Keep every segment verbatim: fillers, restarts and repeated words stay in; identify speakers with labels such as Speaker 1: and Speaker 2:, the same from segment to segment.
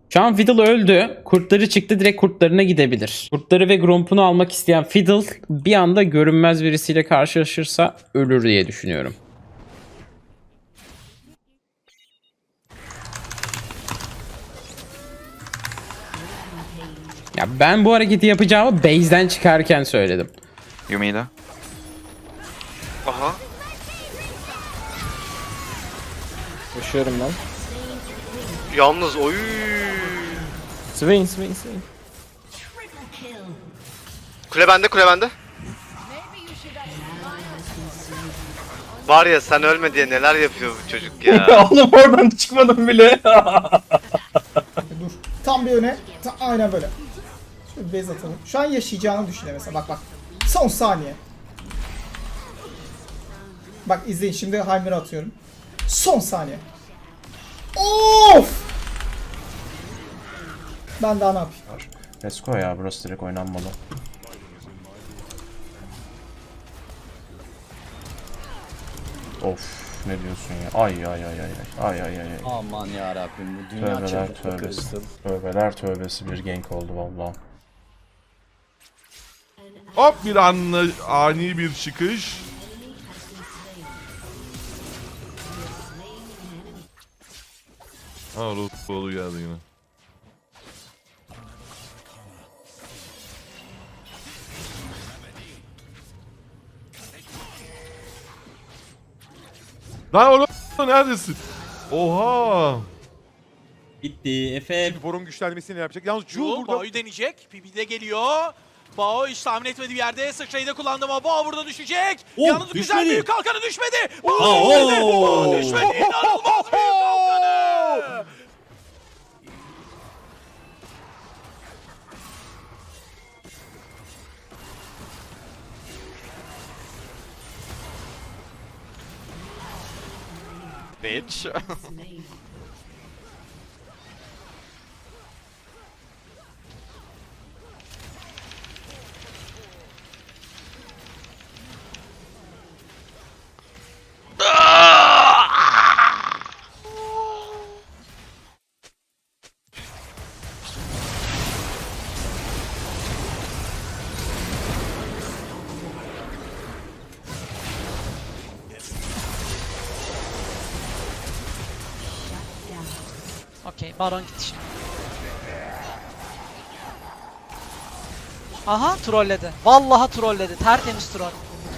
Speaker 1: Şu an Fiddle öldü. Kurtları çıktı, direkt kurtlarına gidebilir. Kurtları ve Gromp'unu almak isteyen Fiddle bir anda görünmez birisiyle karşılaşırsa ölür diye düşünüyorum. Ya ben bu hareketi yapacağımı base'den çıkarken söyledim.
Speaker 2: Yumi'de.
Speaker 3: Aha.
Speaker 4: Koşuyorum ben.
Speaker 3: Yalnız oy.
Speaker 4: Swain, Swain, Swain.
Speaker 3: Kule bende, kule bende. Var ya sen ölme diye neler yapıyor bu çocuk ya.
Speaker 5: Oğlum oradan çıkmadım bile.
Speaker 6: Dur. Tam bir öne. Ta aynen böyle. Şöyle bir base atalım. Şu an yaşayacağını düşünüyor mesela. Bak bak. Son saniye. Bak izleyin şimdi Heimer'ı atıyorum. Son saniye. Of! Ben daha ne yapayım?
Speaker 5: Let's go ya, burası direkt oynanmalı. Of, ne diyorsun ya? Ay ay ay ay ay ay ay ay.
Speaker 4: Aman yarabbim bu dünya
Speaker 5: Tövbeler
Speaker 4: çapı
Speaker 5: tövbesi.
Speaker 4: karıştı.
Speaker 5: Tövbeler tövbesi bir gank oldu valla.
Speaker 7: Hop bir anla, ani bir çıkış. Ha Rutbolu geldi yine. Lan oğlum neredesin? Oha!
Speaker 8: Bitti. Efe.
Speaker 9: Borun güçlenmesini yapacak. Yalnız Jul
Speaker 10: Jul
Speaker 9: burada.
Speaker 10: Bao'yu deneyecek. P P de geliyor. Bao hiç tahmin etmediği bir yerde sıçrayı da kullandı ama Bao burada düşecek.
Speaker 8: Oh,
Speaker 10: Yalnız güzel
Speaker 8: düşmedi.
Speaker 10: büyük kalkanı düşmedi.
Speaker 8: Aa,
Speaker 10: Bao düşmedi.
Speaker 8: oo.
Speaker 10: Bao düşmedi. İnanılmaz büyük kalkanı.
Speaker 2: Bitch.
Speaker 11: Okey, Baron gitti şimdi. Aha, trolledi. Vallahi trolledi. Tertemiz troll.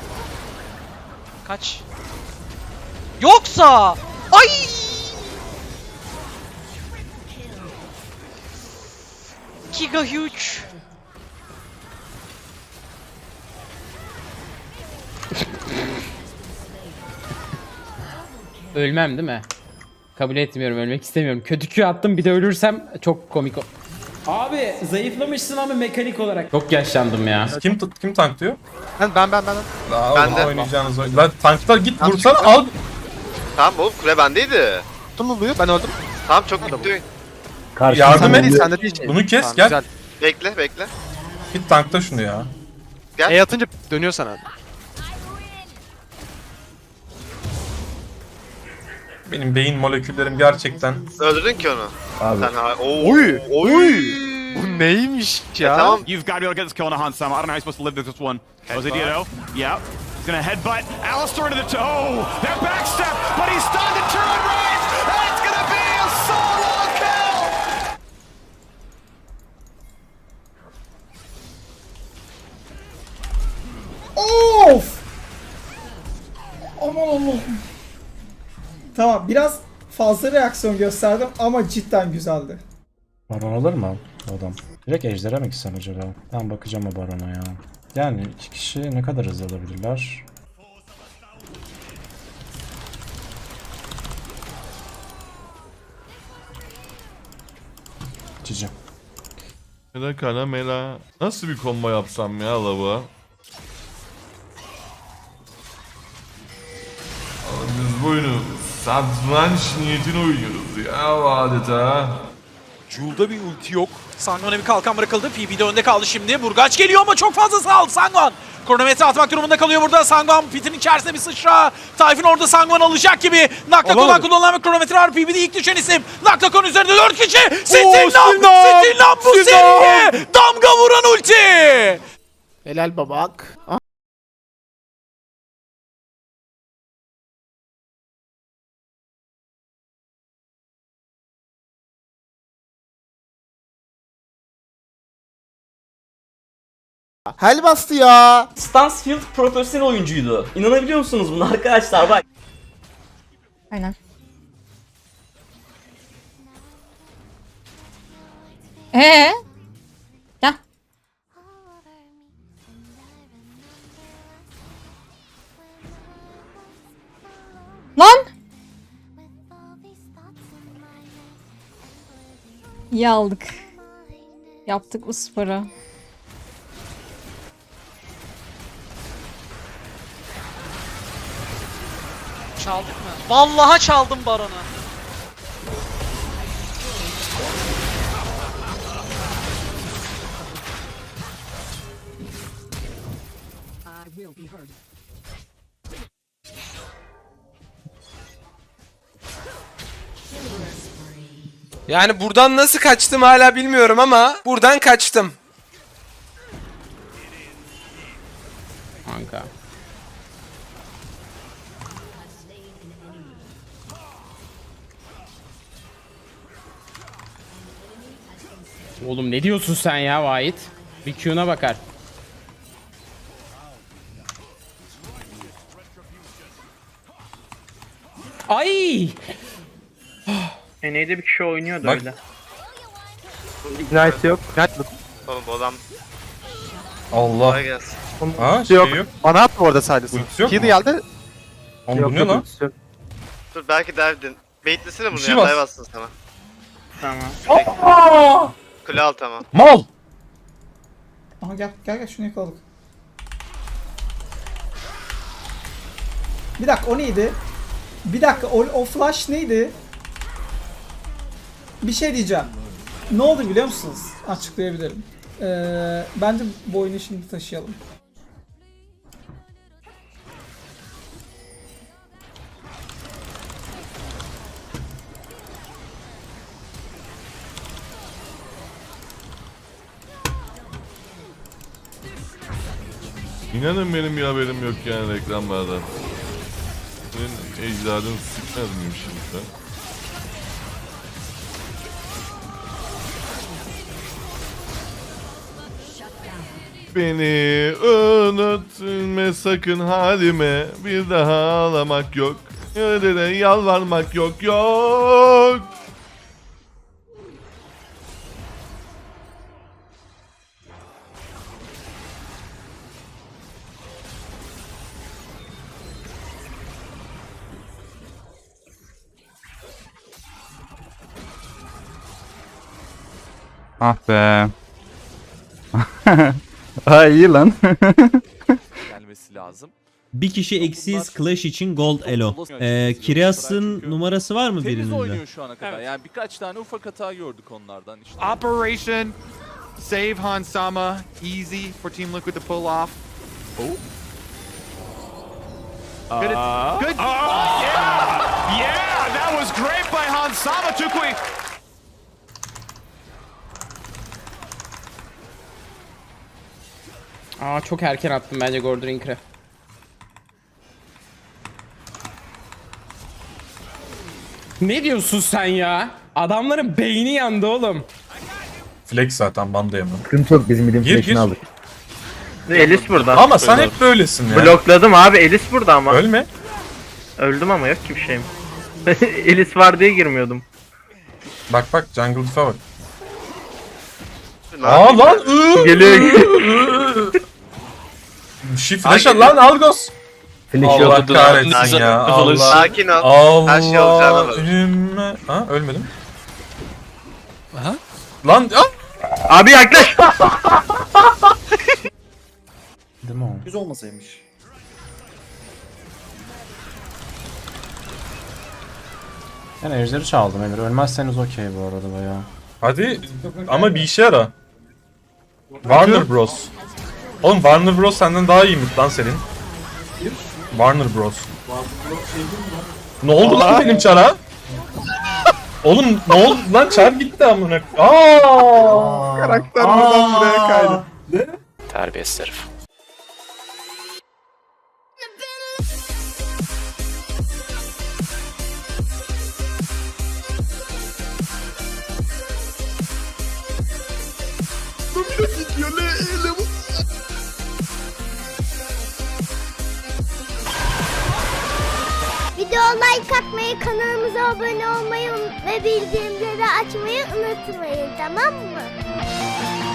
Speaker 11: Kaç. Yoksa! Ay! Giga huge.
Speaker 1: Ölmem değil mi? Kabul etmiyorum, ölmek istemiyorum. Kötü Q attım, bir de ölürsem çok komik o. Abi zayıflamışsın ama mekanik olarak. Çok yaşlandım ya.
Speaker 5: Kim kim tank diyor?
Speaker 9: Ben ben ben. ben.
Speaker 5: La
Speaker 3: Ben
Speaker 5: oğlum
Speaker 3: de.
Speaker 5: oynayacağınız oyun. Lan tanklar git vursana al.
Speaker 3: Tamam oğlum kule bendeydi.
Speaker 9: Tutun mu buyu? Ben öldüm.
Speaker 3: Tamam çok gitti oyun.
Speaker 5: Yardım
Speaker 9: Sen de
Speaker 5: et.
Speaker 9: değil, sen de değil.
Speaker 5: Bunu kes
Speaker 9: Tamam,
Speaker 5: gel.
Speaker 9: güzel.
Speaker 3: Bekle bekle.
Speaker 5: Git tankta şunu ya.
Speaker 9: E atınca dönüyor sana.
Speaker 5: Benim beyin moleküllerim gerçekten.
Speaker 3: Öldürdün ki onu.
Speaker 5: Abi.
Speaker 3: Sen ha Oo.
Speaker 9: Oy! Oy! Bu neymiş ya?
Speaker 3: Ya tamam.
Speaker 2: You've got to be able to get this kill on a Hunt Sam. I don't know how you're supposed to live with this one. Was it Ditto? Yeah. He's gonna headbutt Alistar into the toe. That backstep, but he's stunned to turn and rise. And it's gonna be a solo kill.
Speaker 6: Of! Aman Allah'ım. Tamam biraz fazla reaksiyon gösterdim ama cidden güzeldi.
Speaker 5: Baron alır mı o adam? Direkt ejderha mı gitsen acaba? Ben bakacağım o barona ya. Yani iki kişi ne kadar hızlı alabilirler? Cici.
Speaker 7: Mela kana mela. Nasıl bir combo yapsam ya lava? Biz bu oyunu satranç niyetine oynuyoruz ya adeta.
Speaker 10: Jul'da bir ulti yok. Sangwan'a bir kalkan bırakıldı. P B de önde kaldı şimdi. Burgaç geliyor ama çok fazla sağ Sangwan. Kronometre atmak durumunda kalıyor burada. Sangwan pitin içerisinde bir sıçra. Tayfun orada Sangwan alacak gibi. Naktakon'dan kullanılan bir kronometre var. P B'de ilk düşen isim. Naktakon üzerinde dört kişi. Stinlam! Stinlam bu seriye damga vuran ulti.
Speaker 9: Helal babak. Hel bastı ya.
Speaker 8: Stansfield profesyonel oyuncuydu. İnanabiliyor musunuz buna arkadaşlar? Bak.
Speaker 11: Aynen. Ee? Gel. Lan! İyi aldık. Yaptık bu sporu. Çaldık mı? Vallahi çaldım Baron'u.
Speaker 9: Yani buradan nasıl kaçtım hala bilmiyorum ama buradan kaçtım.
Speaker 1: Kanka. Oğlum ne diyorsun sen ya Vahit? Bir Q'na bakar. Ay!
Speaker 4: Neydi bir kişi oynuyordu
Speaker 5: Bak.
Speaker 4: öyle.
Speaker 9: Ignite yok. Ignite
Speaker 3: Oğlum bu adam
Speaker 5: Allah.
Speaker 3: kolay gelsin.
Speaker 5: Ha şey
Speaker 9: yok.
Speaker 5: yok.
Speaker 9: Bana atma orada sadece.
Speaker 5: Ultisi yok
Speaker 9: Kid
Speaker 5: mu?
Speaker 9: geldi.
Speaker 5: Oğlum bu ne lan?
Speaker 3: Dur belki derdin. Baitlesene bunu
Speaker 5: şey
Speaker 3: ya,
Speaker 5: bas.
Speaker 3: dive atsın sana.
Speaker 4: Tamam.
Speaker 3: Kule al tamam.
Speaker 5: Mal.
Speaker 6: Aha gel gel gel şunu yakaladık. Bir dakika o neydi? Bir dakika o, o flash neydi? Bir şey diyeceğim. Ne oldu biliyor musunuz? Açıklayabilirim. Ee, bence bu oyunu şimdi taşıyalım.
Speaker 7: İnanın benim bir haberim yok yani reklamlardan. Senin ecdadın sıkmaz mıyım şimdi sen? Beni unutma sakın halime, bir daha ağlamak yok, yerlere yalvarmak yok yok.
Speaker 4: Ah be. Ha iyi lan.
Speaker 10: Gelmesi lazım.
Speaker 8: Bir kişi eksiz Clash için Gold Elo. Ee, Kireas'ın numarası var mı birinizde?
Speaker 10: şu ana kadar. Yani birkaç tane ufak hata gördük onlardan işte.
Speaker 2: Operation Save Hansama. Easy for Team Liquid to pull off. Oh. Good. Good. yeah. Yeah, that was great by Hansama. Tukui.
Speaker 1: Aa çok erken attım bence Gordrink'e. Ne diyorsun sen ya? Adamların beyni yandı oğlum.
Speaker 5: Flex zaten bandı yemem.
Speaker 4: Sıkıntı yok bizim midim
Speaker 5: Gir, gir.
Speaker 4: aldık. Elis burada.
Speaker 5: Ama sen hep böylesin ya.
Speaker 4: Blokladım abi Elis burada ama.
Speaker 5: Ölme.
Speaker 4: Öldüm ama yok ki bir şeyim. Elis var diye girmiyordum.
Speaker 5: Bak bak jungle diff'e bak.
Speaker 3: Ne
Speaker 5: Aa
Speaker 3: yapayım
Speaker 5: lan
Speaker 3: ben?
Speaker 5: ııı.
Speaker 4: Geliyor.
Speaker 5: Şi flash al lan Algos. Allah kahretsin
Speaker 3: Sakin
Speaker 5: ya.
Speaker 3: ol.
Speaker 5: Allah.
Speaker 3: Sakin ol.
Speaker 5: Allah.
Speaker 3: Her şey olacağına bak.
Speaker 5: Ümme. Ha ölmedim. Aha. Lan ah.
Speaker 4: Abi yaklaş.
Speaker 5: Değil mi o?
Speaker 4: Yüz olmasaymış.
Speaker 5: Ben ejderi çaldım Emir. Ölmezseniz okey bu arada bayağı.
Speaker 7: Hadi ama bir işe yara. Warner Bros. Oğlum Warner Bros senden daha iyiymiş lan senin. Warner Bros. Ne oldu lan benim çara? Oğlum ne oldu lan, çar gitti amına. Aa!
Speaker 2: Karakter buradan buraya kaydı.
Speaker 9: Terbiyesiz herif.
Speaker 12: Videoya like atmayı, kanalımıza abone olmayı ve bildirimleri açmayı unutmayın, tamam mı?